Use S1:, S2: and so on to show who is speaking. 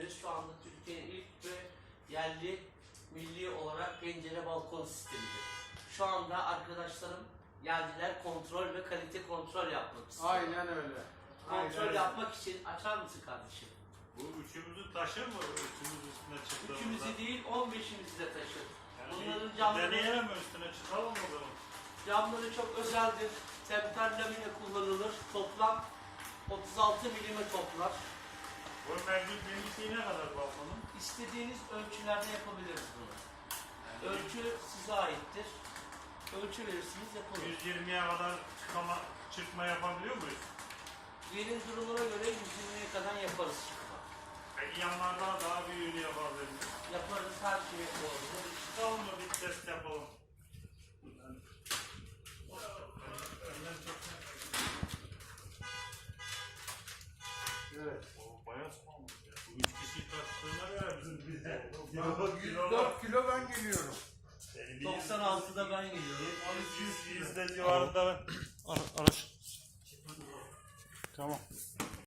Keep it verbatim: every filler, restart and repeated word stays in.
S1: sistemimiz şu anda Türkiye'nin ilk ve yerli milli olarak pencere balkon sistemidir. Şu anda arkadaşlarım geldiler, kontrol ve kalite kontrol yapmak istiyor.
S2: Aynen öyle.
S1: Kontrol
S2: Aynen.
S1: yapmak için açar mısın kardeşim?
S3: Bu üçümüzü taşır mı? Üçümüz üstüne çıktığımızda.
S1: Üçümüzü değil, on beşimizi de taşır.
S3: Yani
S1: Bunların
S3: bir
S1: camları,
S3: deneyelim mi üstüne çıkalım mı o zaman?
S1: camları çok özeldir. Temper lamine kullanılır. Toplam otuz altı milime toplar.
S3: Bu mevcut genişliği ne kadar balkonun?
S1: İstediğiniz ölçülerde yapabiliriz bunu.
S3: Yani
S1: Ölçü size aittir. Ölçü verirsiniz, yapılır.
S3: yüz yirmiye kadar çıkama, çıkma yapabiliyor muyuz?
S1: Yerin durumuna göre yüz yirmiye kadar yaparız çıkma.
S3: Peki yanlarda daha büyüğünü yapabiliriz.
S1: Yaparız, her şeyi yapabiliriz.
S3: Çıkalım mı bir test yapalım?
S2: Evet.
S3: O bayağı sıkılmış ya. Bu üç kişi taktığına göre bizim bize.
S2: yüz dört kilo ben geliyorum.
S1: doksan altıda ben geliyorum.
S3: Yüzde civarında.
S4: Ara, araç. Tamam.